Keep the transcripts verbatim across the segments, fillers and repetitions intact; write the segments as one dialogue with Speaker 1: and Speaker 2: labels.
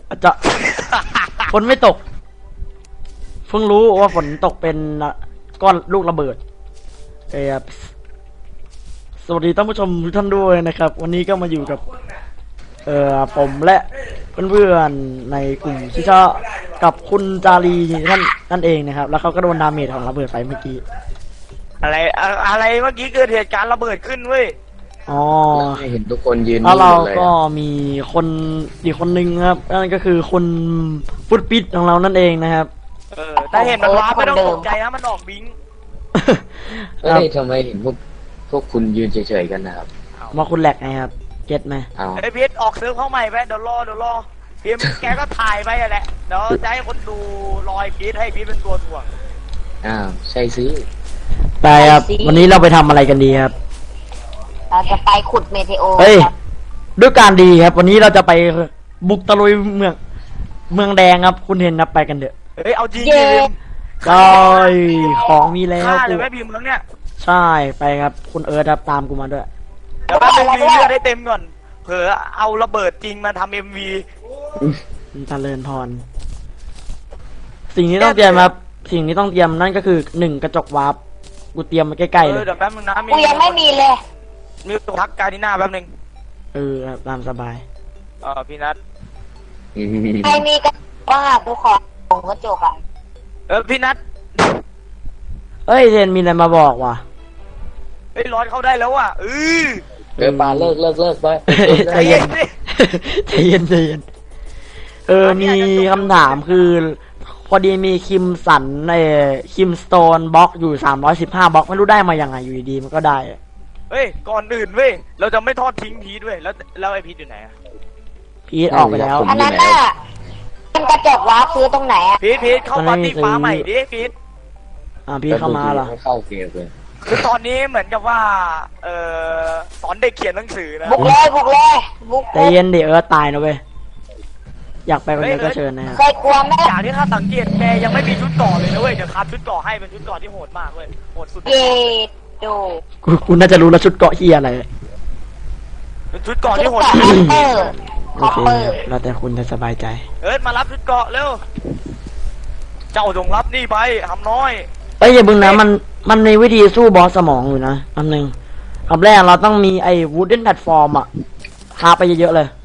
Speaker 1: อาจจะฝนไม่ตกเพิ่งรู้ว่าฝนตกเป็นก้อนลูกระเบิดเออสวัสดีท่านผู้ชมทุกท่านด้วยนะครับวันนี้ก็มาอยู่กับเอ่อผมและเพื่อนๆในกลุ่มชิชากับคุณจารีท่านนั่นเองนะครับแล้วเขาก็โดนดาเมจของระเบิดไปเมื่อกี้
Speaker 2: อะไรอะไรเมื่อกี้เกิดเหตุการณ์ระเบิดขึ้นเว้ย
Speaker 1: อ๋อ
Speaker 3: เห็นทุกคนยืน
Speaker 1: แล้วเราก็มีคนอีกคนนึงครับนั่นก็คือคุณฟุตปิดของเรานั่นเองนะครับ
Speaker 2: เออแต่เห็นมันว้าไม่ต้องตกใจนะมันออกบิง
Speaker 3: เฮ้ยทำไมเห็นพวกพวกคุณยืนเฉยๆกันนะครับ
Speaker 1: มาคุณแหลกไงครับเก็ตไหม
Speaker 2: ไอ้พีทออกซื้อเข้าใหม่ไปเดี๋ยวรอเดี๋ยวรอพีทแกก็ถ่ายไปแหละเดี๋ยวจะให้คนดูรอยพีทให้พีทเป็นตัวถ่วง
Speaker 3: อ้าวใช่สิ
Speaker 1: ไปครับวันนี้เราไปทำอะไรกันดีครับ
Speaker 4: เราจะไปขุดเมเทโอ
Speaker 1: เฮ้ยด้วยการดีครับวันนี้เราจะไปบุกตะลุยเมืองเมืองแดงครับคุณเห็นนะไปกันเถอะ
Speaker 2: เฮ้ยเอาจริง
Speaker 1: จริงใช่ของมีแล้ว
Speaker 2: ฆ่าเลยแม่พิมพ์แล้วเนี่ย
Speaker 1: ใช่ไปครับคุณเอิร์ธครับตามกูมาด้วย
Speaker 2: เดี๋ยวแป๊บนึงรีเลือดได้เต็มก่อนเผื่อเอาระเบิดจริงมาทำเอ็มวี
Speaker 1: เจริญพรสิ่งที่ต้องเตรียมครับสิ่งที่ต้องเตรียมนั่นก็คือหนึ่งกระจกวาร์ปกูเตรียมมาใกล้ๆเลย
Speaker 2: เดี๋ยวแป๊บนึงนะ
Speaker 4: กูยังไม่มีเลย
Speaker 2: มีตัวทักการที่หน้าแป๊บนึง
Speaker 1: เออตามสบาย
Speaker 2: เออพี่นัท
Speaker 4: ใครมีกระจกบ้างกูขอของกระจกอ่ะ
Speaker 2: เออพี่นัท
Speaker 1: เฮ้ยเทนมีอะไรมาบอกว่ะ
Speaker 2: เฮ้ยร้อนเข้าได้แล้วว่ะเออ
Speaker 3: เดี๋ยวปาเลิกเลิกเลิกไป
Speaker 1: ใจเย็นใจเย็นใจเย็นเออมีคำถามคือพอดีมีคิมสันในคิมสโตนบล็อกอยู่สามร้อยสิบห้าบล็อกไม่รู้ได้มายังไงอยู่ดีมันก็ได้
Speaker 2: เฮ้ยก่อนอื่นเว้ยเราจะไม่ทอดทิ้งพีทเว้ยแล้วแล้วไอพีทอยู่ไหนอะ
Speaker 1: พีทออกไปแล้ว
Speaker 4: อันนั้นน่ะเป็นกระจกวาร์ปซื้อตรงไหนอะ
Speaker 2: พีทพีทเข้าปาร์ตี้ฟ้าใหม่ดิพีท
Speaker 1: อ่าพีทเข้ามาเหรอ
Speaker 3: เข้าเกมเลย
Speaker 2: คือตอนนี้เหมือนกับว่าเออสอนเด็กเขียนหนังสือนะ
Speaker 4: บุกเลยบุกเลยบุก
Speaker 1: ใจเย็นเดี๋ยวเออตายนะเว้ยอยากไปคนนี้ก็เชิญนะ
Speaker 4: เคยกลัวไหม
Speaker 2: อย่างที่ข้าสังเกตแกยังไม่มีชุดเกราะเลยนะเว้ยเดี๋ยวคัดชุดเกราะให้เป็นชุดเกราะที่โหดมากเว้ยโหดสุด
Speaker 4: เย็ดดู
Speaker 1: กูกูน่าจะรู้แล้วชุดเกราะเฮียอะไร
Speaker 2: เป็นชุดเกราะที่โหด
Speaker 1: โอเคเราแต่คุณจะสบายใจ
Speaker 2: เอิร์ธมารับชุดเกราะเร็วเจ้าจงรับนี่ไปทำน้อย
Speaker 1: เอ้ยอย่าบึงนะมันมันในวิธีสู้บอสสมองอยู่นะอันหนึ่งอันแรกเราต้องมีไอ้วูดเด้นแพลตฟอร์มอะหาไปเยอะๆเลย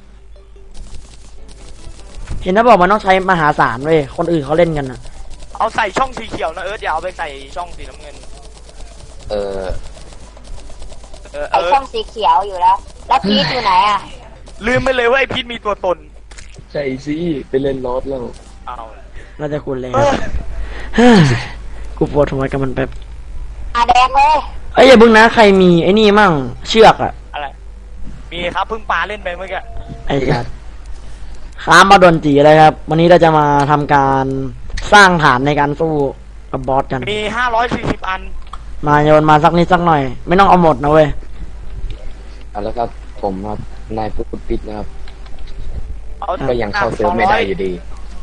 Speaker 1: เห็นนะบอกมันต้องใช้มหาศาลเว้ยคนอื่นเขาเล่นกันนะ
Speaker 2: เอาใส่ช่องสีเขียวนะเอิร์ธอย่าเอาไปใส่ช่องสีน้ำเงิน
Speaker 3: เออ
Speaker 4: เออไอช่องสีเขียวอยู่แล้วแล้วพีทอยู่ไหนอะ
Speaker 2: ลืมไปเลยว่าไอพีทมีตัวตน
Speaker 3: ใช่สิไปเล่นรถแล้ว
Speaker 2: เอา
Speaker 1: เราจะคุณเลยกูปวดหัวกับมันแบบ
Speaker 4: อาแดงเลย
Speaker 1: เอ้ยอย่าบึงนะใครมีไอ้นี่มั่งเชือกอะ
Speaker 2: อะไรมีครับเพิ่งปลาเล่นไปเมื่อกี้
Speaker 1: ไอ้จัดข้ามมาโดนจีเลยครับวันนี้เราจะมาทำการสร้างฐานในการสู้กับบอสกัน
Speaker 2: มีห้าร้อยสี่สิบอัน
Speaker 1: มาโยนมาสักนิดสักหน่อยไม่ต้องเอาหมดนะเว้ย
Speaker 3: เอาแล้วครับผมครับนายผู้ปิดนะครับก็ยังเข้าเซิร์ฟไม่ได้อยู่ดี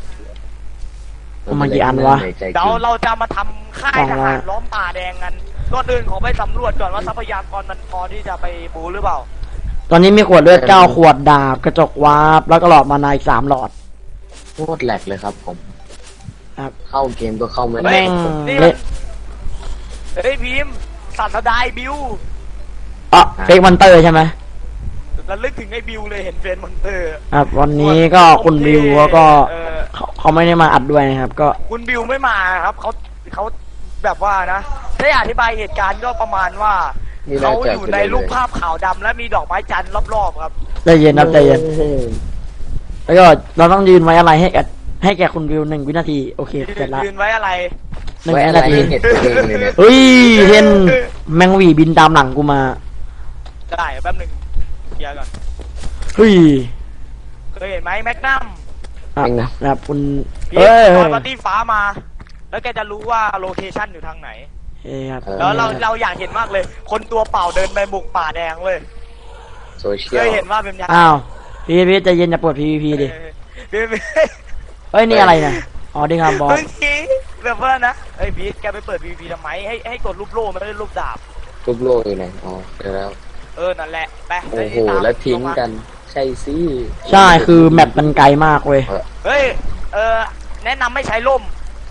Speaker 1: มากี่อันวะ
Speaker 2: เดี๋ยวเราจะมาทำค่ายทหารล้อมป่าแดงกันก่อนอื่นขอไปสำรวจก่อนว่าทรัพยากรมันพอที่จะไปบูหรือเปล่า
Speaker 1: ตอนนี้มีขวดเลือดเก้าขวดดาบกระจกวาร์ปแล้วก็หลอดมานาอีกสามหลอด
Speaker 3: โคตรแหลกเลยครับผม
Speaker 1: ครับ
Speaker 3: เข้าเกมก็เข้าไม่ได้
Speaker 1: เละ
Speaker 2: เฮ้ยพิมพ์สัตว์ดายบิว
Speaker 1: อ๋อเฟกมอนเตอร์ใช่ไหม
Speaker 2: ระลึกถึงไอ้บิวเลยเห็นเฟนมอนเตอร์
Speaker 1: ครับวันนี้ก็คุณบิวก็เขาเขาไม่ได้มาอัดด้วยนะครับก็
Speaker 2: คุณบิวไม่มาครับเขาเขาแบบว่านะถ้าอธิบายเหตุการณ์ก็ประมาณว่าเขาอยู่ในรูปภาพขาวดำและมีดอกไม้จันทร์รอบๆครับ
Speaker 1: ใจเย็นครับใจเย็นแล้วก็เราต้องยืนไว้อะไรให้แกให้แกคุณวิวหนึ่งวินาทีโอเคเสร็จแล้ว
Speaker 2: ยืนไว้อะไร
Speaker 1: หนึ่งวินาทีเฮ้ยเห็นแมงวีบินตามหลังกูมา
Speaker 2: ได้แป๊บนึงเคลียร์ก่อน
Speaker 1: เฮ้ย
Speaker 2: เคยเห็นไหมแมกนัม
Speaker 1: อ่ะนะครับคุณ
Speaker 2: เฮ้ยปาร์ตี้ฟ้ามาแล้วแกจะรู้ว่าโลเคชั่นอยู่ทางไหนแล้วเราเราอยากเห็นมากเลยคนตัวเปล่าเดินไปบุกป่าแดงเลย
Speaker 3: โซเชียล
Speaker 2: เคยเห็นว่าเป็นยังไง
Speaker 1: อ้าวพีพีใจเย็นจะปวดพีพีดิเฮ้ยนี่อะไรเนี่ยอ๋อดีครับบอส
Speaker 2: เมื่อกี้แบบว่านะเฮ้ยพีแกไปเปิดพีพีทำไมให้ให้กดรูปโล่ไม่ได้รูปดาบ
Speaker 3: รูปโล่อยู่ไหนอ๋อเจอแล้ว
Speaker 2: เออนั่นแหละไป
Speaker 3: โอ้โหแล้วทิ้งกันใช่สิ
Speaker 1: ใช่คือแมปมันไกลมากเว้ย
Speaker 2: เฮ้ยเออแนะนำไม่ใช้ล่ม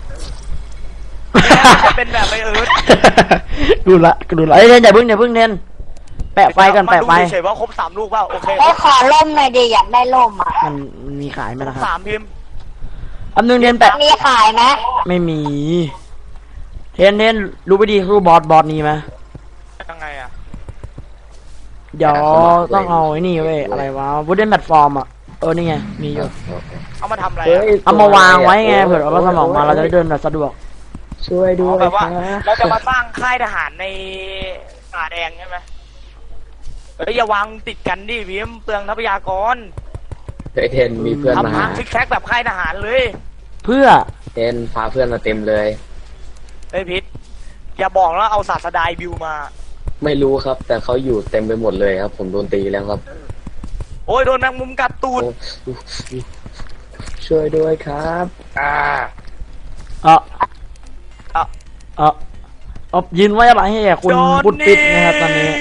Speaker 2: จะเป็นแบบไอเอิร์ธ
Speaker 1: ดูละดูละเอ้ยเทนอย่าเพิ่งอย่าเพิ่งเทนแปะไฟกันแปะไฟ
Speaker 2: มาดูเฉยๆว่าครบสามลูกเปล่าโอเค
Speaker 4: ไอ้ขอล่มหน่อยดิอยากได้ล่มอ่ะ
Speaker 1: มันมันมีขายไหมล่ะครับ
Speaker 2: สามพิมพ์
Speaker 1: อันนึงเทนแปะ
Speaker 4: มีขายไหม
Speaker 1: ไม่มี เทนเทนรู้ไปดีรู้บอสบอสนี้ไหม
Speaker 2: ยังไงอะ
Speaker 1: เดี๋ยวต้องเอาไอ้นี่เว้ยอะไรวะวูดเดนแพลตฟอร์มอ่ะเออนี่ไงมีอยู่
Speaker 2: เอามาทำอะไร
Speaker 3: เฮ้
Speaker 2: อะ
Speaker 3: ย
Speaker 1: เอามาวางไว้ไงเผื่อเอาสมองมาเราจะได้เดินแบบสะดวก
Speaker 3: ช่วยด้
Speaker 2: อ๋
Speaker 3: ว
Speaker 2: อย แบบว่า
Speaker 3: ครับ
Speaker 2: เราจะมาสร้างค่ายทหารในป่าแดงใช่ไหมเฮ้ยอย่าวางติดกันดิพิมพ์เปลืองทรัพยากร
Speaker 3: เฮ้ยเทนมีเพื่อนมา
Speaker 2: ทำ
Speaker 3: หา
Speaker 2: ทางซิกแซกแบบค่ายทหารเลย
Speaker 1: เพื่อ
Speaker 3: เทนพาเพื่อนมาเต็มเลย
Speaker 2: เฮ้ยพิษอย่าบอกแล้วเอาศาสดายบิวมา
Speaker 3: ไม่รู้ครับ แต่เขาอยู่เต็มไปหมดเลยครับ ผมโดนตีแล้วครับ
Speaker 2: โอ้ยโดนแมงมุมกัดตูด
Speaker 3: โอ้ช่วยด้วยครับอ่า
Speaker 1: เออเออเออเอายืนไว้อะไรให้คุณ
Speaker 2: โดน
Speaker 1: บุตรปิดนะครับตอนนี้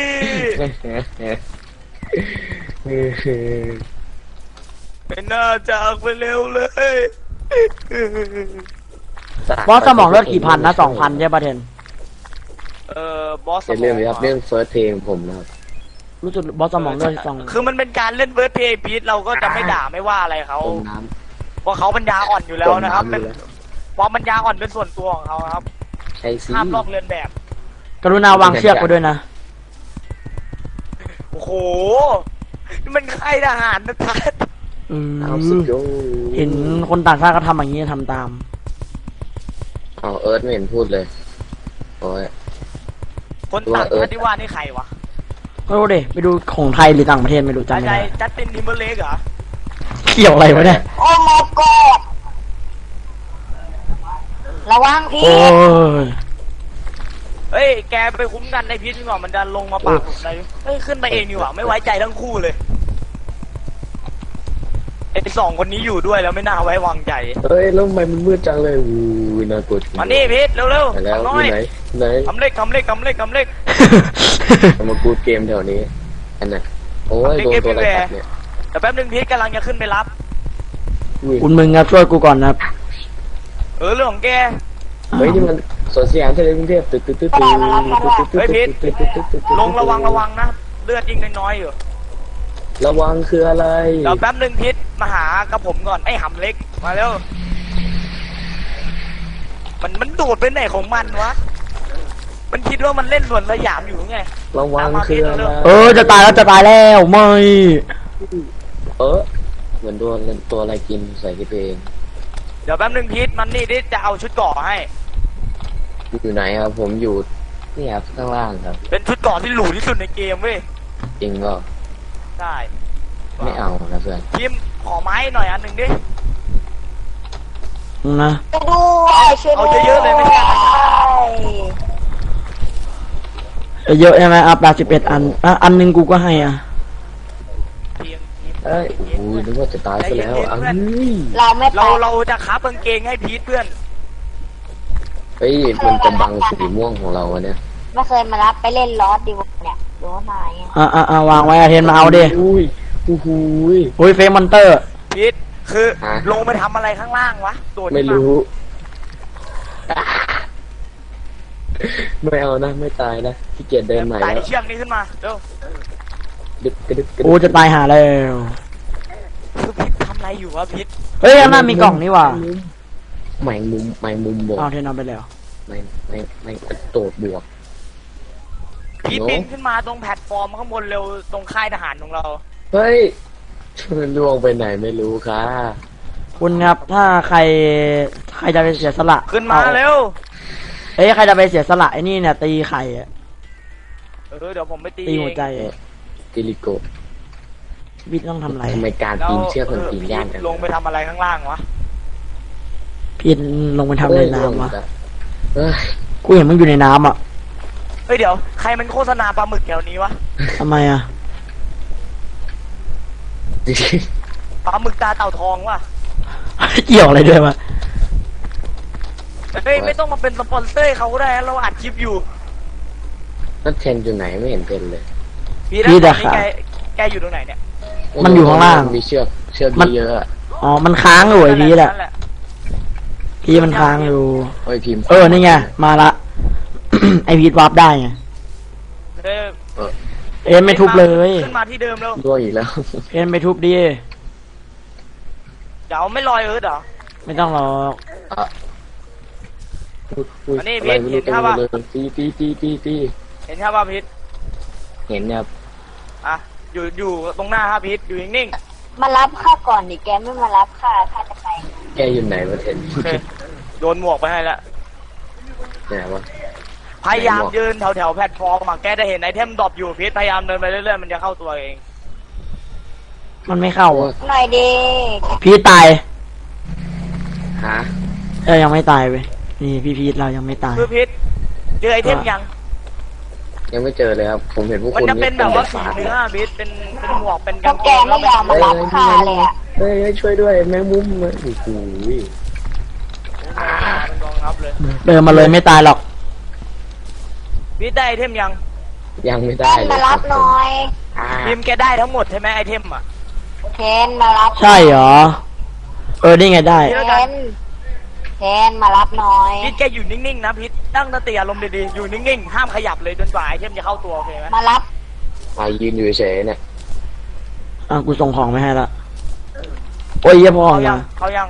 Speaker 2: ไม่น่าจากไปเร็วเลย
Speaker 1: บอสสมองเลือดกี่พันนะสองพันใช่ป่ะเทน
Speaker 2: เออบอส
Speaker 3: เป็นเรื่องนี้ครับเรื่องเฟิร์สเพลงผมนะครับ
Speaker 1: รู้สึกบอสสมองเลือดสอง
Speaker 2: คือมันเป็นการเล่นเวิร์ดเพย์พีทเราก็จะไม่ด่าไม่ว่าอะไรเขา
Speaker 3: ต้มน้
Speaker 2: เพราะเขาปัญญาอ่อนอยู่
Speaker 3: ำ
Speaker 2: แล้วนะครับ
Speaker 3: ต้ม
Speaker 2: เป็น
Speaker 3: อยู่แล้ว
Speaker 2: ความปัญญาอ่อนเป็นส่วนตัวของเขาครับ
Speaker 3: ใช่สิ
Speaker 2: ห้ามลอกเลียนแบบ
Speaker 1: กรุณาวางเชือกไว้ด้วยนะ
Speaker 2: โอ้โหนี่มันค่ายทหารนะทัศน์
Speaker 1: อื
Speaker 3: เอาสุด
Speaker 1: ม
Speaker 3: โย
Speaker 1: เห็นคนต่างชาติก็ทำอย่างนี้ทำตาม
Speaker 3: เอาเอิร์ธไม่เห็นพูดเลยโอ้ย
Speaker 2: คนต่างชาติที่ว่านี่ใครวะ
Speaker 1: ก็รู้ดิไปดูของไทยหรือต่างประเทศไม่รู้จำ
Speaker 2: ใจ
Speaker 1: ไม่
Speaker 2: ใจ
Speaker 1: ได้
Speaker 2: จัสตินทิมเบอร์เลกเหรอ
Speaker 1: เกี่ยวอะไรวะเนี่ย
Speaker 4: โอ้ my god ระวังพี่
Speaker 1: โอ้ย
Speaker 2: เฮ้ยแกไปคุ้มกันในพีทดีกว่ามันจะลงมาปากผมเลยเฮ้ยขึ้นไปเองดีกว่าไม่ไว้ใจทั้งคู่เลยไอ้สองคนนี้อยู่ด้วยแล้วไม่น่าไว้วางใจ
Speaker 3: เฮ้ยแล้วทำไมมันมืดจังเลยอู้ยน่ากลัวจริง
Speaker 2: มานี่พีทเร็ว
Speaker 3: ไป
Speaker 2: ๆ
Speaker 3: แล้ว
Speaker 2: ทำน้
Speaker 3: อ
Speaker 2: อย
Speaker 3: ยู่ไหนไหน
Speaker 2: ทำเล็กทำเล็กทำเล็กทำเล็ก
Speaker 3: เอามากูดเกมแถวนี้อันน่ะโอ้ยโดนตัวอะไรกัดเนี่ย
Speaker 2: แต่แป๊บนึงพีทกำลังจะขึ้นไปรับ
Speaker 3: อุ้ย
Speaker 1: คุณมึงครับช่วยกูก่อนนะครับ
Speaker 2: เออเรื่องของแก
Speaker 3: เฮ้ยนี่มันสวนสยามทะเลกรุงเทพตึ๊ดตึ๊ดตึ๊ดตึ๊ดตึ๊ด
Speaker 2: ลงระวังระวังนะเลือดยิ่งน้อยๆอยู่
Speaker 3: ระวังคืออะไร
Speaker 2: เดี๋ยวแป๊บนึงพีทมาหากับผมก่อนไอ้หำเล็กมาเร็วมันมันโดดไปไหนของมันวะมันคิดว่ามันเล่นสวนสยามอยู่ไง
Speaker 3: ระวังคืออะไร
Speaker 1: เออจะตายแล้วจะตายแล้วไม่
Speaker 3: เออเหมือนโดนตัวอะไรกินใส่ที่ตัวเอง
Speaker 2: เดี๋ยวแป๊บนึงพีทมันนี่ดิจะเอาชุดเกราะให้
Speaker 3: อยู่ไหนครับผมอยู่นี่ครับข้างล่างครับ
Speaker 2: เป็นชุดเกราะที่หรูที่สุดในเกมเว้ย
Speaker 3: จริงก็
Speaker 2: ใช่
Speaker 3: ไม่เอานะเพื่อน
Speaker 2: พิมพ์ขอไม้หน่อยอันหนึ่งดิ
Speaker 1: นะ
Speaker 4: ไปด้วยช่วยด้วย
Speaker 2: เอาเยอะๆเลยไม่ใช่อะไร
Speaker 1: เยอะใช่ไหมอ่ะแปดสิบเอ็ดอันอ่ะอันหนึงกูก็ให้อ่ะ
Speaker 2: เพียงพิมพ์
Speaker 3: เอ้ยโอ้ยนึกว่าจะตายซะแล้วอ้าว
Speaker 4: เราไม่ไป
Speaker 2: เราเราจะคับกางเกงให้พีทเพื่อน
Speaker 3: เฮ้ยมันจะบังสีม่วงของเราอะเนี่ย
Speaker 4: ไม่เคยมารับไปเล่นลอสดิวเนี่ยดูว่ามาไง
Speaker 1: อ่ะอ่ะอ่ะวางไว้อ่ะเทนมาเอาดิ
Speaker 3: อุ้ยอู้หูย
Speaker 1: อุ้ยเฟมอนเตอร์
Speaker 2: พีทคือ
Speaker 3: ฮะ
Speaker 2: ลงไปทำอะไรข้างล่างวะโดดขึ้น
Speaker 3: ไม่รู้ ไม่เอานะไม่ตายนะขี้เกียจเดินใหม่
Speaker 2: ไต่
Speaker 3: แล้ว
Speaker 2: เชือกนี้ขึ้นมาเร็ว
Speaker 3: ดึกกระดึกกระดึก
Speaker 1: โอ้จะตายหาแล้ว
Speaker 2: คือพีททำอะไรอยู่วะพีท
Speaker 1: เฮ้ยข้างหน้ามีกล่องนี่หว่า
Speaker 3: แมงมุมแมงมุมบวก
Speaker 1: เอาเทนเอาไปแล้ว
Speaker 3: ไม่ไม่ไม่กระโดดบวก
Speaker 2: พีท
Speaker 3: โน้
Speaker 2: ปีนขึ้นมาตรงแพลตฟอร์มข้างบนเร็วตรงค่ายทหารของเรา
Speaker 3: เฮ้ยมันล่วงไปไหนไม่รู้ค่ะ
Speaker 1: คุณครับถ้าใครใครจะไปเสียสละ
Speaker 2: ขึ้นมา
Speaker 1: อ
Speaker 2: เร็ว
Speaker 1: เอ้ยใครจะไปเสียสละไอ้นี่เนี่ยตีไข่อะ
Speaker 2: เออเดี๋ยวผมไปตี
Speaker 1: ตี
Speaker 2: เอ
Speaker 1: หัว
Speaker 2: ง
Speaker 1: ใจ
Speaker 3: กิริโกะ
Speaker 1: วิทย์ต้องทำอะไร
Speaker 3: ทำไมการ
Speaker 2: แล้ว
Speaker 3: ปีนเชือกมันปีนยาก
Speaker 2: พี
Speaker 3: จั
Speaker 2: ท
Speaker 3: ง
Speaker 2: ลงไปทำอะไรข้างล่างวะ
Speaker 1: พี่ลงไปทำในน้ำวะ
Speaker 3: เอ้ย
Speaker 1: กูเห็นมึงอยู่ในน้ำอ่ะ
Speaker 2: เฮ้ยเดี๋ยวใครมันโฆษณาปลาหมึกแถวนี้วะ
Speaker 1: ทำไมอ่ะ
Speaker 2: ปลาหมึกตาเต่าทองวะ
Speaker 1: เกี่ยวอะไรด้วยวะ
Speaker 2: เฮ้ยไม่ต้องมาเป็นสปอนเซอร์เขาก็ได้นะเราอัดคลิปอยู่
Speaker 3: นั่นเทนอยู่ไหนไม่เห็นเทนเลย
Speaker 2: พี่นะตอนนี้แกแกอยู่ตรงไหนเนี่ย
Speaker 1: มันอยู่ข้างล่าง
Speaker 3: มีเชือกเชือก
Speaker 1: มัน
Speaker 3: เยอะๆอะ
Speaker 1: อ๋อมันค้างอยู่ไอพีแหละ
Speaker 2: นั่นห
Speaker 1: พีมันค้างอยู่
Speaker 3: โอ้ยพิมพ์
Speaker 1: เออนี่ไงมาละ ไอพีวาร์ปได้ไง
Speaker 2: เออ
Speaker 1: เอ็นไม่ทุบเลย
Speaker 2: ขึ้นมาที่เดิมแล้ว
Speaker 3: ร่วงอีกแล้ว
Speaker 1: เอ็นไม่ทุบดิ
Speaker 2: เดี๋ยวไม่ลอยเอิร์ธเหรอ
Speaker 1: ไม่ต้องหรอก
Speaker 3: อ่ะอุ๊ย
Speaker 2: อันนี้
Speaker 3: อะไรไม่
Speaker 2: เห็
Speaker 3: รู้
Speaker 2: น
Speaker 3: เต็ม
Speaker 2: ภาพ
Speaker 3: ไป
Speaker 2: ปะ
Speaker 3: เลยตีตีตีตีตี
Speaker 2: เห็นครับว่าพิษ
Speaker 3: เห็นเนี่ยครับ
Speaker 2: อ่ะอยู่อยู่ตรงหน้าครับพิษอยู่นิ่ง
Speaker 4: มารับข้าก่อนดิแกไม่มารับข้าข้าจะไป
Speaker 3: แกอยู่ไหนวะเทน
Speaker 2: ๆโอเคโดนหมวกไปให้แล้ว
Speaker 3: ไหนวะ
Speaker 2: พยายามยืนแถวแถวๆแพลตฟอร์มอะแกจะเห็นไอเทมดรอปอยู่พิษพยายามเดินไปเรื่อยๆมันจะเข้าตัวเอง
Speaker 1: มันไม่เข้าอะ
Speaker 4: หน่อยดิ
Speaker 1: พีตาย
Speaker 3: ฮะ
Speaker 1: เออยังไม่ตายเว้ยนี่พี่พีทเรายังไม่ตาย
Speaker 2: คือพิษเจอไอเทมยัง
Speaker 3: ยังไม่เจอเลยครับ ผมเห็นพวก
Speaker 2: มัน
Speaker 3: คุณ
Speaker 2: จะเป็นแบบว่าสี
Speaker 3: ฝา
Speaker 2: เนื้อพิษเป็นเป็นหมวกเป็น
Speaker 4: พวกแกไม่ยอมมารับข้าเลยอะ
Speaker 3: เฮ้ยเฮ้ยช่วยด้วยแมงมุมมาโอ้โห
Speaker 2: เป็นกองทัพเลย
Speaker 1: เดินมาเลยไม่ตายหรอก
Speaker 2: พิษได้ไอเทมยัง
Speaker 3: ยังไม่
Speaker 4: เท
Speaker 3: ได้
Speaker 4: น
Speaker 3: เลย
Speaker 4: มารับหน่อย
Speaker 3: อ่า
Speaker 2: พิมพ์แกได้ทั้งหมดใช่ไหมไอเทมอ่ะ
Speaker 4: เทนมารับ
Speaker 1: ใช่เหรอ เออนี่ไงได้
Speaker 4: เทนเทนมารับหน่อย
Speaker 2: พิษแกอยู่นิ่งๆนะพิษตั้งสติอารมณ์ดีๆอยู่นิ่งๆห้ามขยับเลยจนกว่าไอเทมจะเข้าตัวโอเคไหม
Speaker 4: มารับ
Speaker 3: อ่ายืนอยู่เฉยๆเนี่ย
Speaker 1: อ่ะกูส่งของไปให้ละโอ้ยเยี่ยพอ
Speaker 2: เขายั
Speaker 1: ยัง ง
Speaker 2: เขายัง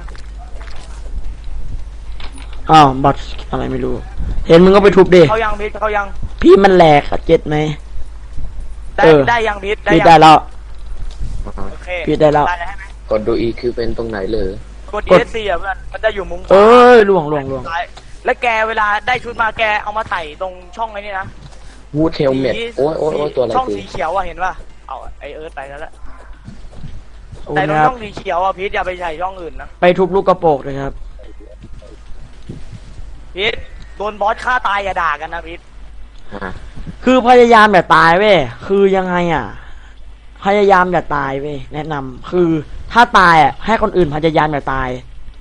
Speaker 1: อ้าวบัตรอะไรไม่รู้ เห็นมึงก็ไปทุบดิ
Speaker 2: เขายังพิษเขายัง
Speaker 1: พี่มันแหลกอะเจ็ดไหม
Speaker 2: ได้
Speaker 1: เออ
Speaker 2: ได้ยังพิษ
Speaker 1: พี่
Speaker 2: ยัง
Speaker 1: ได้แล้ว
Speaker 2: โอเค
Speaker 1: พี่ได้แล้ว
Speaker 2: ได้แล้วใช่ไหม
Speaker 3: กดดูอีกคือเป็นตรงไหนเลย
Speaker 2: กด
Speaker 1: กด
Speaker 2: เอสซีอ่ะเพื่อนมันจะอยู่มุมขวา
Speaker 1: เอ้ยล่วงล่วงล่วง
Speaker 2: ซ้ายแล้วแกเวลาได้ชุดมาแกเอามาใส่ตรงช่องไอ้นี่นะ
Speaker 3: วูดเทลเม็ด
Speaker 2: สี
Speaker 3: โอ้ยโอ้ยโอ้ยตัวอะไร
Speaker 2: ช่อง
Speaker 3: กู
Speaker 2: สีเขียวอ่ะเห็นป่ะเอาไอเอิร์ธไปแล้วแหละ
Speaker 1: โอ้
Speaker 2: แต่ตรง
Speaker 1: นะครับ
Speaker 2: ช่องสีเขียวอ่ะพิษอย่าไปใส่ช่องอื่นนะ
Speaker 1: ไปทุบลูกกระโปรงเลยครับ
Speaker 2: พิษโดนบอสฆ่าตายอย่าด่ากันนะพิษ
Speaker 3: ฮะ
Speaker 1: คือพยายามอย่าตายเว้ย คือยังไงอ่ะ พยายามอย่าตายเว้ย แนะนำคือถ้าตายอ่ะให้คนอื่นพยายามอย่าตาย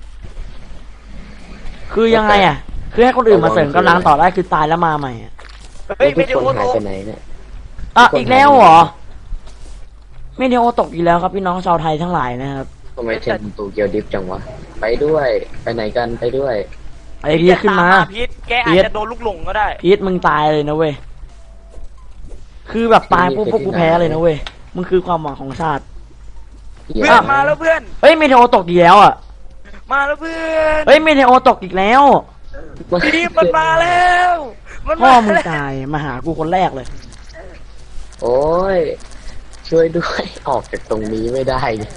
Speaker 1: คือยังไงอ่ะ คือให้คนอื่นมาเสริมกำลังต่อได้คือตายแล้วมาใหม่อะ
Speaker 2: เฮ้ย
Speaker 3: ทุ
Speaker 2: ไม่
Speaker 3: ก
Speaker 2: ได้
Speaker 3: คน
Speaker 2: โอ้
Speaker 3: หาย
Speaker 2: โห
Speaker 3: ไปไหนเนี่ย
Speaker 1: อ่ะอีกแล้วเหรอ ไม่เดียวตกอีกแล้วครับพี่น้องชาวไทยทั้งหลายนะครับ
Speaker 3: ทำไมเทนตูเกียวดิฟจังวะ ไปด้วย ไปไหนกันไปด้วย
Speaker 1: ไอ้พีทขึ้นมา
Speaker 2: พิษแกอาจจะโดนลูกหลงก็ได้
Speaker 1: พีทมึงตายเลยนะเว้ย คือแบบตายปุ๊บพวกกูแพ้เลยนะเว้ย มึงคือความหวังของชาติ
Speaker 2: เพื่อนมาแล้วเพื่อน
Speaker 1: เฮ้ยเมเทโอตกอีกแล้วอ่ะ
Speaker 2: มาแล้วเพื่อน
Speaker 1: เฮ้ยเมเทโอตกอีกแล้ว
Speaker 2: ทีมมันมาแล้วมัน
Speaker 1: พ่อ
Speaker 2: มา
Speaker 1: มึง
Speaker 2: แล้ว
Speaker 1: ตายมาหากูคนแรกเลย
Speaker 3: โอ้ย ช่วยด้วย ออกจากตรงนี้ไม่ได้เนี่ย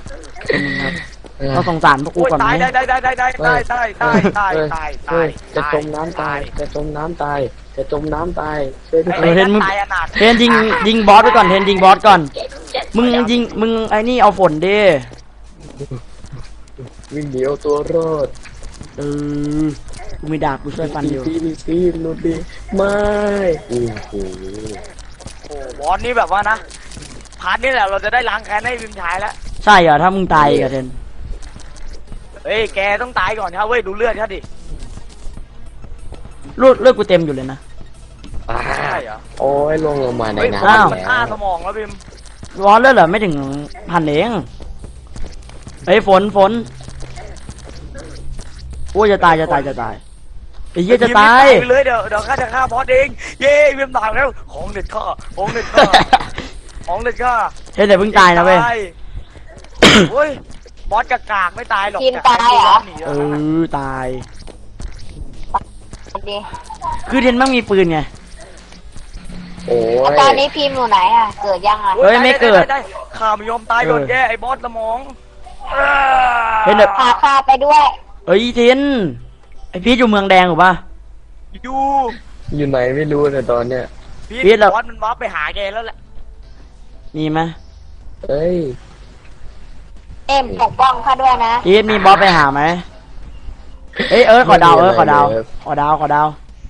Speaker 1: เราสงสารพวกกู
Speaker 2: โอ้ย
Speaker 1: ก่อนไหม
Speaker 2: ตายได้ได้ได้ได้ได้ได้ได้ได้ได้
Speaker 3: เฮ้ย
Speaker 2: ตาย
Speaker 3: เฮ้
Speaker 2: ตาย ย
Speaker 3: จะจมน้ำตาย จะจมน้ำตาย จะจมน้ำตาย ช่วยด้วย
Speaker 1: เออเทนมึง
Speaker 2: ตายอนาถ
Speaker 1: เทนยิงยิงบอสไปก่อนเทนยิงบอสก่อน มึงยิงมึงไอ้นี่เอาฝนดิ
Speaker 3: วิ่งเดียวตัวรอด
Speaker 1: เออกูมีดาบกูช่วยฟันอยู่
Speaker 3: ตีตีตีลุดดีไม่โอ้โห
Speaker 2: โอ้บอสนี่แบบว่านะพาร์ทนี่แหละเราจะได้ล้างแค้นให้วิมชายแล้ว
Speaker 1: ใช่เหรอถ้ามึงตายอีกับเทน
Speaker 2: เฮ้ยแกต้องตายก่อนครับเว้ยดูเลือดเขาดิ
Speaker 1: เลือดเลือดกูเต็มอยู่เลยนะ
Speaker 3: อ่า
Speaker 2: ใช่เหรอ
Speaker 3: โอ้ยลงลงมาใน
Speaker 2: เฮ้ย
Speaker 3: น้
Speaker 1: อ้าว
Speaker 3: ำ
Speaker 2: มัน
Speaker 3: แล้
Speaker 2: ฆ่าว สมองแล้วพิม
Speaker 1: บอสเลือดเหรอไม่ถึงพันเองเฮ้ยฝนฝนโอ้ยจะตายจะตายจะตายไอ้เหี้ยจะตาย
Speaker 2: ไปเลยเดี๋ยวเดี๋ยวข้าจะฆ่าบอสเองเย้วิมตายแล้วของเด็ดข้าของเด็ดข้าของเด็ดข้า
Speaker 1: เฮ้ยเดี๋ยวเพิ่งตายนะเว้ย
Speaker 2: โอ้ยบอสกากากไม่ตายหรอก
Speaker 4: ทีมตายเหรอ
Speaker 2: หนี
Speaker 1: เอ
Speaker 2: แล้วนะ
Speaker 1: อตาย
Speaker 4: ดิ
Speaker 1: คือเทนมันมีปืนไง
Speaker 3: โอ้
Speaker 4: แล้ว
Speaker 3: ย
Speaker 4: ตอนนี้พิมพ์อยู่ไหนอ่ะ เกิดยังอ่ะ
Speaker 1: เฮ้ยไม่เกิด
Speaker 2: ไไข้าไม่ยอมตายโดนแกไอ้บอสสมอง
Speaker 1: เฮ้ยเดี๋ยว
Speaker 4: พาข้าไปด้วย
Speaker 1: เอ้ยเทนไอพีทอยู่เมืองแดงหรือปะ
Speaker 2: อยู่
Speaker 3: อยู่ไหนไม่รู้แต่ตอนเนี้ย
Speaker 2: พี่
Speaker 1: พีทเรา
Speaker 2: บอสมันวาร์ปไปหาแกแล้วแหละ
Speaker 1: มีไหม
Speaker 3: เอ้ย
Speaker 4: เอ็มปกป้องข้าด้วยนะ
Speaker 1: พีทมีบอสไปหาไหมเอ้ยเออขอดาวเออขอดาวขอดาวขอดาว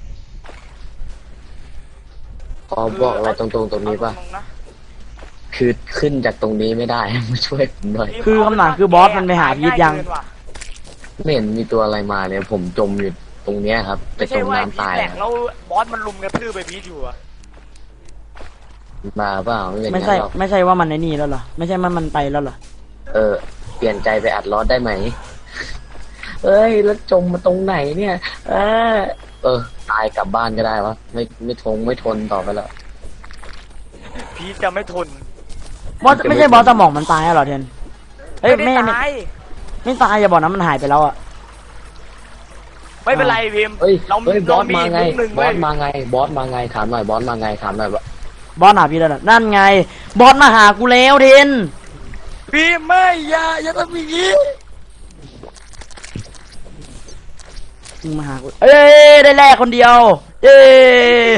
Speaker 3: ขอบอกอะไรตรงๆตรงนี้ป่ะ
Speaker 2: เอาตรงๆนะ
Speaker 3: คือขึ้นจากตรงนี้ไม่ได้ มาช่วยผมหน่อย
Speaker 1: คือคำถามคือบอสมันไปหาพีทยัง
Speaker 2: ง่าเกินว่ะ
Speaker 3: ไม่เห็นมีตัวอะไรมาเนี่ย ผมจมอยู่ตรงเนี้ยครับไป
Speaker 2: ไม่
Speaker 3: จ
Speaker 2: ใช่
Speaker 3: ม
Speaker 2: ว่าไอ้
Speaker 3: น้ำ
Speaker 2: พีท
Speaker 3: ตาย
Speaker 2: แหลก
Speaker 3: อะ
Speaker 2: แล้วบอสมันลุมกระทืบไปพีทอยู่อะ
Speaker 3: มาเปล่าไม่เป็น
Speaker 1: ไม่
Speaker 3: งั้
Speaker 1: ใช่
Speaker 3: นหรอก
Speaker 1: ไม่ใช่ว่ามันในนี่แล้วเหรอไม่ใช่มันมันไปแล้วเหรอ
Speaker 3: เออ เปลี่ยนใจไปอัดลอสได้ไหมเอ้ยแล้วจมมาตรงไหนเนี่ย เออเออตายกลับบ้านก็ได้วะไม่ไม่ทงไม่ทนต่อไปแล้ว
Speaker 2: พีทจะไม่ทน
Speaker 1: บอสไม่ใช่บอสสมองมันตายแล้วเหรอเทนเอ้ย
Speaker 2: ไม่
Speaker 1: ไม่
Speaker 2: ได้
Speaker 1: ไม่
Speaker 2: ตาย
Speaker 1: ไม่ตายอย่าบอกนะมันหายไปแล้วอะ
Speaker 2: ไม่เป็นไรพิมพ์
Speaker 3: เฮ้ย
Speaker 2: เรา
Speaker 3: เฮ้ยบ
Speaker 2: เรา
Speaker 3: อส
Speaker 2: มี
Speaker 3: มา
Speaker 2: อีก
Speaker 3: ไง
Speaker 2: มุกหนึ่ง
Speaker 3: บ
Speaker 2: เว้
Speaker 3: อย สมาไงบอสมาไงถามหน่อยบอสมาไงถามหน่อยว่า
Speaker 1: บอสหาพี่แล้วน่ะนั่นไง บอสมาหากูแล้วเทน
Speaker 2: พิมพ์ไม่อย่าอย่าทำอย่างนี้
Speaker 1: มึงมาหากูเอ้ยได้แลกคนเดียวเอ้ย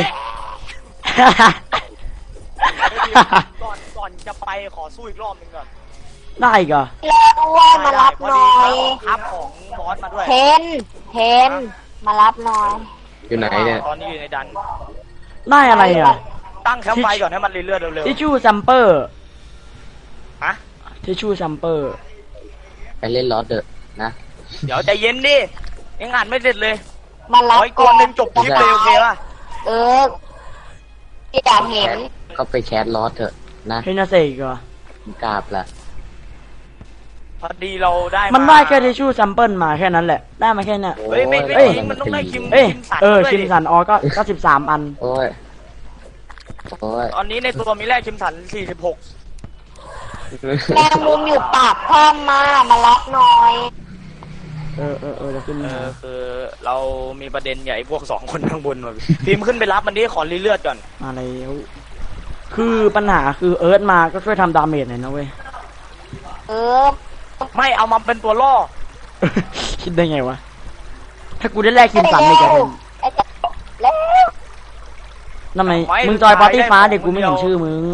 Speaker 2: ก่อนก่อนจะไปขอสู้อีกรอบหนึงก่อน
Speaker 1: ได้อีกเหรอ
Speaker 4: แล้วด้วยมารับหน่อย
Speaker 2: ทับของบอสมาด้วย
Speaker 4: เทนเทนมารับหน่อย
Speaker 3: อยู่ไหนเนี่ย
Speaker 2: ตอนนี้อยู่ในดัน
Speaker 1: ได้อะไรอ่ะ
Speaker 2: ตั้งแคมป์ไฟก่อนให้มันเรื่อยๆเร็ว
Speaker 1: ทิชชู่ซัมเปอร์
Speaker 2: ๆฮะ
Speaker 1: ทิชชู่ซัมเปอร์
Speaker 3: ไปเล่นลอสเดอะนะ
Speaker 2: เดี๋ยวใจเย็นดิยังอ่านไม่เสร็จเลย
Speaker 4: มา
Speaker 2: ข
Speaker 4: รั
Speaker 2: อบ อีกตัวหนึ่งจบคลิปเลยโอเคป่ะ
Speaker 4: เอออยากเห็น
Speaker 3: ก็ไปแคสลอสเถอะนะ
Speaker 1: เฮนาเซกเหรอก
Speaker 3: ราบละ
Speaker 2: พอดีเราได้
Speaker 1: มันได้แค่ทิชชู่ซัมเปิลมาแค่นั้นแหละ ได้มาแค่เนี้ย
Speaker 2: เฮ้ยไม่ไม่
Speaker 1: เอ้ย
Speaker 2: จริงมันต้องได้คิม
Speaker 1: เอ้ย
Speaker 2: คิมสัน
Speaker 1: เออ
Speaker 2: ด้วย
Speaker 1: คิม
Speaker 2: ดิ
Speaker 1: สันออก็ก็สิบสามอัน
Speaker 3: โอ้ยโอ้ย
Speaker 2: ตอนนี้ในตัวมีแรกคิมสันสี่สิบหก
Speaker 4: แมงมุมอยู่ปากถ้ำมามารับหน่อย
Speaker 1: เออเออเออจะขึ้น
Speaker 2: เอ
Speaker 1: มา
Speaker 2: อคือเรามีประเด็นใหญ่พวกสองคนข้างบนมาพิมพ์ขึ้นไปรับมันดิขอรีเลือดก่อน
Speaker 1: มาแล้วคือปัญหาคือเอิร์ธมาก็ช่วยทำดาเมจหน่อยนะเว้ย
Speaker 4: เออ
Speaker 2: ไม่เอามาเป็นตัวล่อ
Speaker 1: คิดได้ไงวะ ถ้ากูได้แลกคิมสันอีกอะเทน
Speaker 4: ไอ้เจ้าแล้ว
Speaker 1: ทำไมมึงจอยปาร์ตี้ฟ้าเด็กกูไม่เห็นชื่อมึง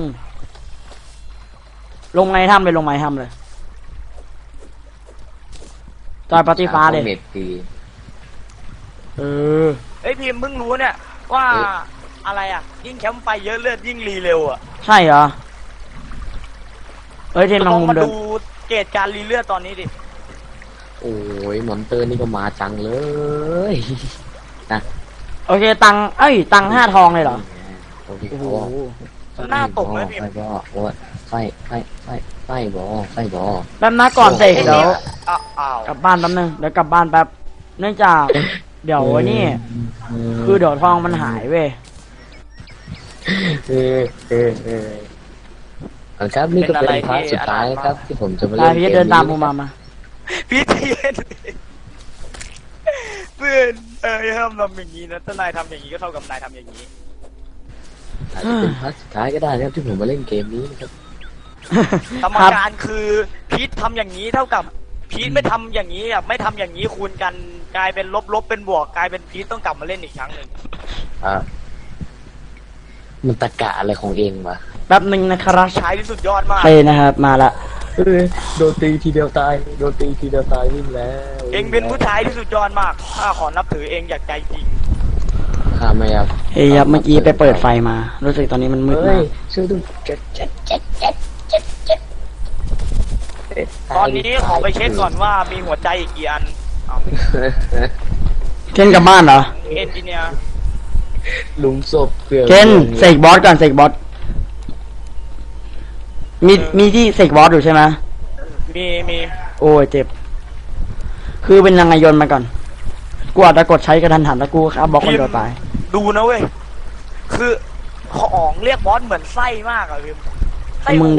Speaker 1: ลงไงทำเลยลงไงทำเลย จอยปาร์ตี้ฟ้าเลย
Speaker 3: เม็ดตี
Speaker 1: เออ
Speaker 2: เฮ้ยพิมพ์เพิ่งรู้เนี่ยว่าอะไรอ่ะ ยิ่งแคมป์ไฟเยอะเลือดยิ่งรีเร็วอ่ะ
Speaker 1: ใช่เหรอ เอ้ยเทน
Speaker 2: ล
Speaker 1: ลอง
Speaker 2: อง
Speaker 1: มุม
Speaker 2: มา
Speaker 1: เดิน
Speaker 2: ดูเกรดการรีเลือดตอนนี้ดิ
Speaker 3: โอ้ยมอนเตอร์นี่ก็มาจังเลยนะ
Speaker 1: โอเคตังค์เอ้ยตังค์ห้าทองเลยเหรอ
Speaker 3: โอ้โห
Speaker 1: โอ้โห
Speaker 2: หน้าตกเลยพิม
Speaker 3: ไฟ
Speaker 2: พ์
Speaker 3: บอโอ้ยไฟไฟไฟไฟบอไฟบอ
Speaker 1: แป๊บนะก่อนเสกเดี๋ยว
Speaker 2: อ้าวอ้าว
Speaker 1: กลับบ้านแป๊บนึงเดี๋ยวกลับบ้านแป๊บ เนื่องจาก เดี๋ยวไอ้นี่ คือเดี๋ยวทองมันหายเว้ย
Speaker 3: เออเออเออเอาครับนี่ก็เป็นพาร์ทสุดท้ายนะครับ ที่ผมจะมา
Speaker 1: ตา
Speaker 3: เล่น
Speaker 1: พี่
Speaker 3: เกม
Speaker 1: เดินตาม
Speaker 3: นี้
Speaker 1: กูมามา
Speaker 2: พี่เทียนเพื่อนเออห้ามทำอย่างนี้นะถ้านายทำอย่างนี้ก็เท่ากับนายทำอย่างนี้
Speaker 3: อาจจะเป็นพาร์ทสุดท้ายก็ได้นะครับที่ผมมาเล่นเกมนี้นะครับ
Speaker 2: สม
Speaker 1: ครับ
Speaker 2: การคือพีททำอย่างนี้เท่ากับพีทไม่ทำอย่างนี้อ่ะไม่ทำอย่างนี้คูณกันกลายเป็นลบลบเป็นบวกกลายเป็นพีทต้องกลับมาเล่นอีกครั้งหนึ่ง
Speaker 3: อ่ามันตะกะอะไรของเองวะ
Speaker 1: แป๊บหนึ่งนะครับ
Speaker 2: ใช้ที่สุดยอดมาก
Speaker 1: ไปนะครับ มาละ
Speaker 3: เอ้ยโดนตีทีเดียวตายโดนตีทีเดียวตายวิ่งแล้ว
Speaker 2: เองเป็นผู้ชายที่สุดยอดมากข้าขอนับถือเองจากใจจริง
Speaker 3: ข้าไม่ครับ
Speaker 1: เฮ้ยครับเมื่อกี้ไปเปิดไฟมา รู้สึกตอนนี้มันมืด
Speaker 3: เฮ้
Speaker 1: มาย ก
Speaker 3: ช่วยดูเจ็ดเจ็ดเจ็ดเจ็ดเจ็ดเจ็ดเอ๊ะ
Speaker 2: ตอนนี้ขอไปเช็คก่อนว่ามีหัวใจอีกกี่อันเอา
Speaker 1: เคนกลับบ้านเหรอ
Speaker 2: เอนจิเนียร์
Speaker 3: หลุมศพเกลือ
Speaker 1: เคนเสกบอสก่อนเสกบอส มีมีที่เสกบอสอยู่ใช่ไหม
Speaker 2: มีมี
Speaker 1: โอ้ยเจ็บ คือเป็นยังไงโยนมาก่อน กูอาจจะกดใช้กระทันหันแล้วกูครับบล็อกคนเดียวตาย
Speaker 2: ดูนะเว้ยคือของเรียกบอสเหมือนไส้มากอะพิมไส้
Speaker 1: มึง
Speaker 2: หัว
Speaker 1: ดี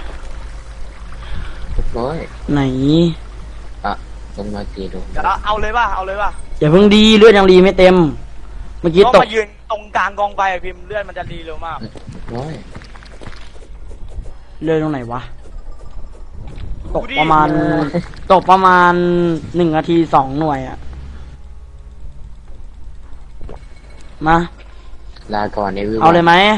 Speaker 3: น้อย
Speaker 1: ไหน
Speaker 3: อ่ะลงมาตีดู
Speaker 2: เดี๋ยวเอาเลยป่ะเอาเลยป่ะ
Speaker 1: อย่าเพิ่งดีเลือดยังรีไม่เต็ม เมื่อกี้
Speaker 2: ก็
Speaker 1: ตก
Speaker 2: มายืนตรงกลางกองไฟอะพิมเลือดมันจะรีเร็วมาก
Speaker 3: น้อย
Speaker 1: เลือดตรงไหนวะ ตก
Speaker 2: ดูดิ
Speaker 1: ประมาณ ตกประมาณหนึ่งนาทีสองหน่วยอะมา
Speaker 3: ลาก่อนในวิว
Speaker 1: เอาเลยไหม
Speaker 2: อ่ะ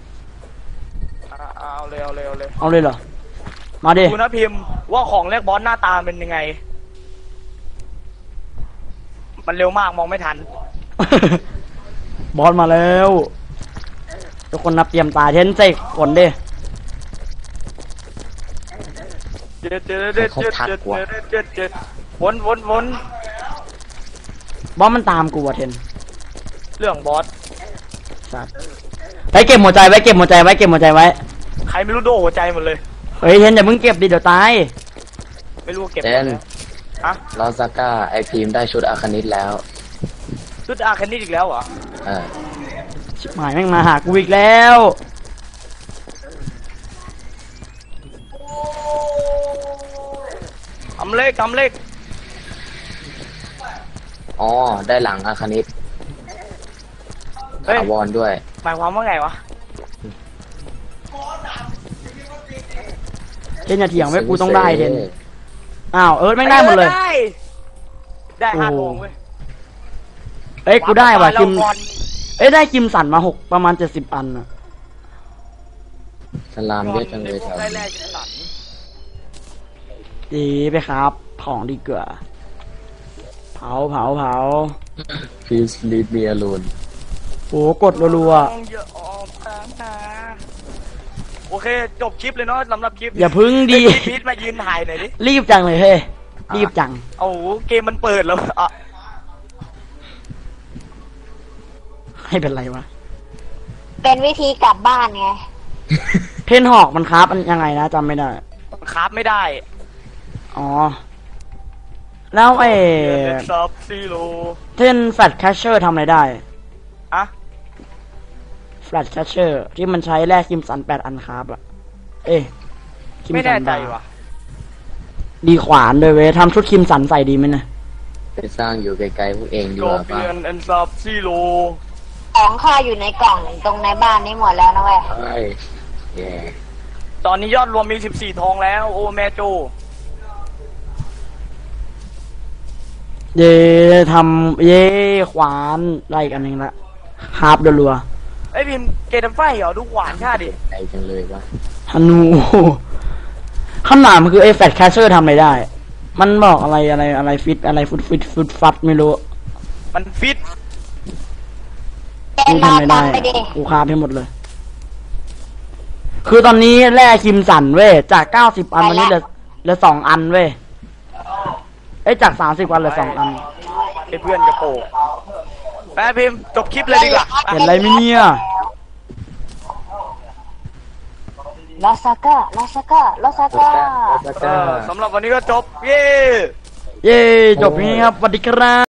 Speaker 2: เอาเลยเอาเลยเอาเลย
Speaker 1: เอาเลยเหรอ มาดิ
Speaker 2: ดูนะพิมพ์ว่าของเรียกบอสหน้าตาเป็นยังไง มันเร็วมากมองไม่ทัน
Speaker 1: บอสมาแล้ว ทุกคนนับเตรียมตาเทนเซกฝนดิ
Speaker 2: เจ็ดเจ็ดเจ็ดเจ็ดเจ็ดเจ็ดเจ็ดวนวนวน
Speaker 1: บอสมันตามกูว่ะเทน
Speaker 2: เรื่องบอส
Speaker 1: สัตว์ไอ้เก็บหัวใจไว้เก็บหัวใจไว้เก็บหัวใจไว้
Speaker 2: ใครไม่รู้โดนหัวใจหมดเลย
Speaker 1: เฮ้ยเทนอย่าเพิ่งเก็บดิเดี๋ยวตาย
Speaker 2: ไม่รู้ว่าเก็บ
Speaker 3: เจ
Speaker 2: หมด
Speaker 3: น
Speaker 2: แล้วฮะ
Speaker 3: ลอสก้าไอพีมได้ชุดอาคานิตแล้ว
Speaker 2: ชุดอาคันนี้อีกแล้วเหรอ
Speaker 3: เออ
Speaker 1: ชิบหายแม่งมาหากูอีกแล้ว
Speaker 2: ทำเลขทำเลข
Speaker 3: อ๋อได้หลังอาคานิต
Speaker 2: เฮ้ย
Speaker 3: ถาวรด้วย
Speaker 2: หมายความว่าไงวะ
Speaker 1: เทนอย่าเถียงไว้กูต้องได้เทนอ้าวเอิร์ธแม่งได้หมดเลย
Speaker 2: ได้ได้ห้า
Speaker 1: โอ้
Speaker 2: ทองเว้ย
Speaker 1: เอ้ยกูได้ว่ะ
Speaker 2: แล้
Speaker 1: คิม
Speaker 2: บอล
Speaker 1: เอ้ยได้คิมสันมาหกประมาณเจ็ดสิบอันอะ
Speaker 3: สลามเยอะจังเลยแถว
Speaker 2: ได้แร
Speaker 3: นี้
Speaker 2: กจะสัน
Speaker 1: ดีไปครับของดีกว่าเผาเผาเผา
Speaker 3: Please leave me alone
Speaker 1: โอ้กดรัว
Speaker 2: ทองเยอะออกมานะโอเคจบคลิปเลยเนาะสำหรับคลิป
Speaker 1: ๆอย่าพึ่งดี
Speaker 2: เฮ้ยพีทมายืนถ่ายหน่อยดิ
Speaker 1: รีบจังเลยเฮ้ยรีบจัง
Speaker 2: โอ้โหเกมมันเปิดแล้วอ่ะ
Speaker 1: ให้เป็นไรวะ
Speaker 4: เป็นวิธีกลับบ้านไง
Speaker 1: เทนหอกมันครับมันยังไงนะจำไม่ได้
Speaker 2: คราฟไม่ได้
Speaker 1: อ๋อ แล้วไอ้
Speaker 2: เน็ตซับซีโร่
Speaker 1: เทนแฟลชแคชเชอร์ทำอะไรได้
Speaker 2: อะ
Speaker 1: แฟลชแคชเชอร์ที่มันใช้แลกคิมสันแปดอันครับอะเอ้ยคิ
Speaker 2: ไม่
Speaker 1: สั
Speaker 2: แน่ใจ
Speaker 1: บาร์
Speaker 2: ว่ะ
Speaker 1: ดีขวานด้วยเว้ยทำชุดคิมสันใส่ดีไหมนะ
Speaker 3: ไปสร้างอยู่ไกลๆพวกเองดี
Speaker 2: โก
Speaker 3: กว่า
Speaker 2: เปี
Speaker 3: ป่ะ
Speaker 2: ยนแอนซับซีโร่
Speaker 4: ของข้าอยู่ในกล่องตรงในบ้านนี้หมดแล้วนะเว้ย
Speaker 3: เฮ้ยแย่
Speaker 2: ตอนนี้ยอดรวมมีสิบสี่ทองแล้ว โอ้แม่โจ
Speaker 1: เย่ทำเย่ขวานไล่กันหนึ่งละฮาร์ปรัว
Speaker 2: ไอ้ยพิมพ์เกตันไฟเหรอดูขวานค่าดิ
Speaker 3: ใจจังเลยวะ
Speaker 1: ๆฮันูคำถามมันคือไอ้แฟลชแคชเชอร์ทำอะไรได้ มันบอกอะไรอะไรอะไรฟิตอะไรฟุตฟิตฟุตฟัดไม่รู้
Speaker 2: มันฟิต
Speaker 4: เป็น
Speaker 1: กู
Speaker 4: รอ
Speaker 1: ทำไม่ได้
Speaker 4: ตามไปดิ
Speaker 1: กูคาบให้หมดเลย คือตอนนี้แร่คิมสันเว้ยจากเก้าสิบอันวันนี้เหลือเหลือสองอันเว้ยเอ้ยจากสามสิบวันเหลือสองอัน
Speaker 2: ไอ้เพื่อนกระโปงแม่พิมพ์จบคลิปเลยดีกว่า
Speaker 1: เห็นอะไรไหมเนี่ย
Speaker 4: ลอสก้าลอสก้าลอสก้า
Speaker 3: แล้ว
Speaker 2: เอ
Speaker 3: ก็
Speaker 2: อสำหรับวันนี้ก็จบ เย้
Speaker 1: เย้จบนี้ครับสวัสดีครับ